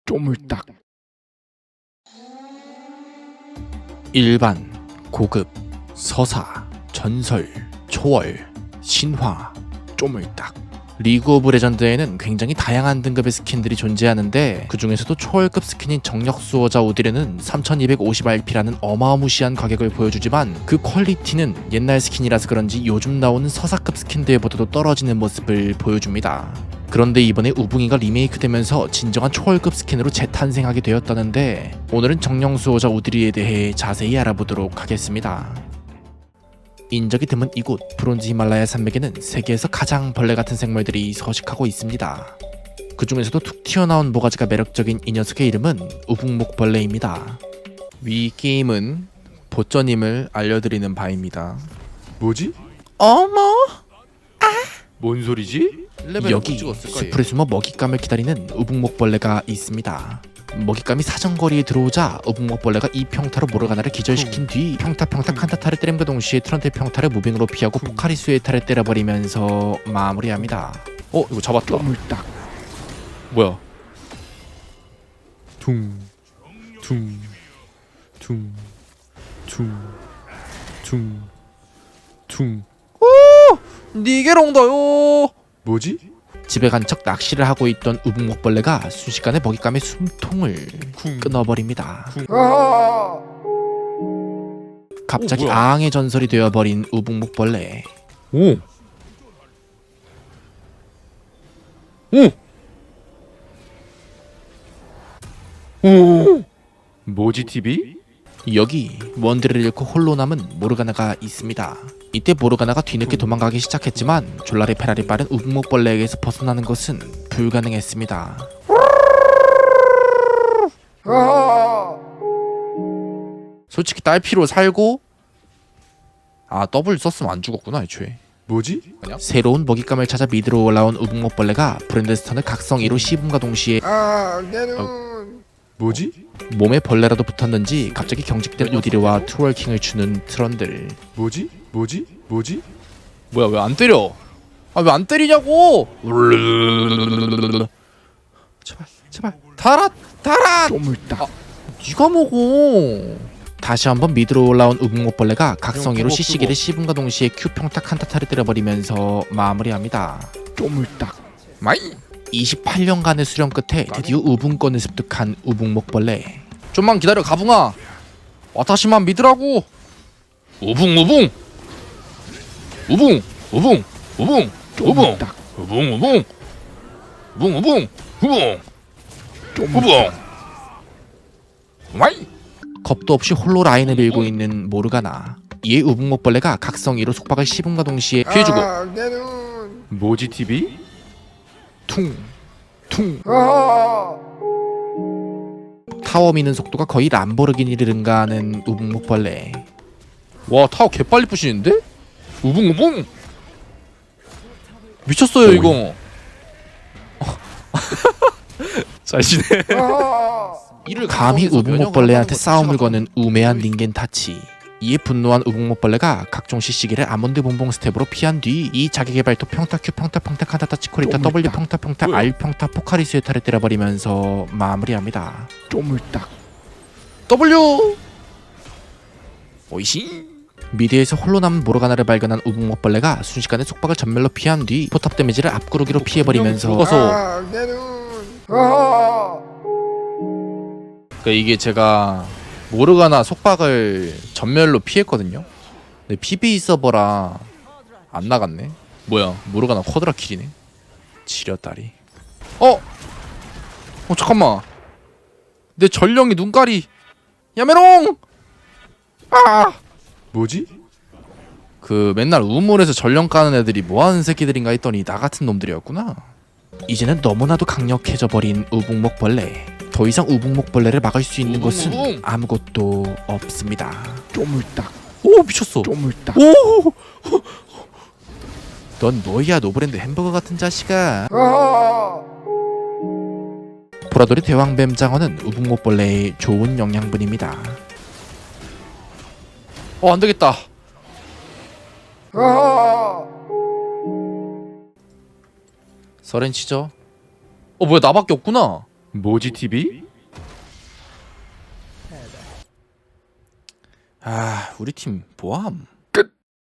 쪼물딱. 일반, 고급, 서사, 전설, 초월, 신화, 쪼물딱. 리그 오브 레전드에는 굉장히 다양한 등급의 스킨들이 존재하는데 그 중에서도 초월급 스킨인 정력 수호자 오디르는 3250RP라는 어마무시한 가격을 보여주지만 그 퀄리티는 옛날 스킨이라서 그런지 요즘 나오는 서사급 스킨들보다도 떨어지는 모습을 보여줍니다. 그런데 이번에 우붕이가 리메이크되면서 진정한 초월급 스킨으로 재탄생하게 되었다는데 오늘은 정령 수호자 오디르에 대해 자세히 알아보도록 하겠습니다. 인적이 드문 이곳 브론즈 히말라야 산맥에는 세계에서 가장 벌레 같은 생물들이 서식하고 있습니다. 그 중에서도 툭 튀어나온 모가지가 매력적인 이 녀석의 이름은 우북목벌레입니다. 위 게임은 보쩌님을 알려드리는 바입니다. 뭐지? 어머! 뭔 소리지? 여기 숲을 숨어 먹잇감을 기다리는 우북목벌레가 있습니다. 먹잇감이 사정거리에 들어오자 우북목벌레가 이 평타로 모르가나를 기절시킨 뒤 평타 칸타타를 때림과 동시에 트런트 평타를 무빙으로 피하고 포카리 수에타를 때려버리면서 마무리합니다. 이거 잡았다. 쪼물딱. 뭐야? 퉁. 니게롱다요. 뭐지? 집에 간 척 낚시를 하고 있던 우북목벌레가 순식간에 먹잇감의 숨통을 끊어버립니다. 갑자기 뭐야? 앙의 전설이 되어버린 우북목벌레. 오. 뭐지 TV? 여기 원딜을 잃고 홀로 남은 모르가나가 있습니다. 이때 모르가나가 뒤늦게 도망가기 시작했지만 졸라리 페라리 빠른 우북목벌레에게서 벗어나는 것은 불가능했습니다. 솔직히 딸피로 살고 W 썼으면 안 죽었구나 애초에. 뭐지? 새로운 먹잇감을 찾아 미드로 올라온 우북목벌레가 브랜드스턴을 각성 2로 씹음과 동시에 뭐지? 몸에 벌레라도 붙었는지 갑자기 경직된 우디르와 트월킹을 추는 트런들. 뭐지? 뭐야 왜 안 때려? 왜 안 때리냐고? 제발 달아 쪼물딱. 네가 먹어. 다시 한번 미드로 올라온 우북목벌레가 각성기로 CC기를 씹음과 동시에 Q 평타 칸타타를 때려버리면서 마무리합니다. 쪼물딱. 마이 28년간의 수련 끝에 드디어 우붕권을 습득한 우북목벌레. 좀만 기다려 가붕아. 와타시만 믿으라고. 우붕 쪼물딱. 쪼물딱. 와이. 겁도 없이 홀로 라인을 밀고 있는 모르가나. 이에 우북목벌레가 각성 2로 속박을 씹음과 동시에 피해주고 뭐지 TV? 퉁 타워 미는 속도가 거의 람보르기니를 능가하는 우북목벌레. 와 타워 개빨리 부시는데? 우붕 미쳤어요 이거. 잘 지내. 이를 감히 우북목벌레한테 싸움을 거는 우매한 닌겐 타치. 이에 분노한 우북목벌레가 각종 CC기를 아몬드 봉봉 스텝으로 피한 뒤 이 자기개발토 평타 Q 평타 칸타타 치코리타 W 평타 R 평타 포카리 수에타를 때려버리면서 마무리합니다. 쪼물딱. W 오이시. 미드에서 홀로 남은 모르가나를 발견한 우북목벌레가 순식간에 속박을 전멸로 피한 뒤 포탑 데미지를 앞구르기로 피해버리면서 그러니까 이게 제가 모르가나 속박을 전멸로 피했거든요. 근데 PB 서버라 안 나갔네. 뭐야 모르가나 쿼드라 킬이네. 지렸다리. 잠깐만. 내 전령이 눈깔이 야메롱. 뭐지? 그 맨날 우물에서 전령 까는 애들이 뭐하는 새끼들인가 했더니 나 같은 놈들이었구나. 이제는 너무나도 강력해져 버린 우북목벌레. 더 이상 우북목벌레를 막을 수 있는 것은 아무것도 없습니다. 쪼물딱. 오 미쳤어. 쪼물딱. 오. 넌 뭐야 노브랜드 햄버거 같은 자식아. 보라돌이 대왕뱀 장어는 우북목벌레의 좋은 영양분입니다. 안되겠다. 서렌 치죠. 뭐야 나밖에 없구나. 모지 TV? 우리 팀 뭐함?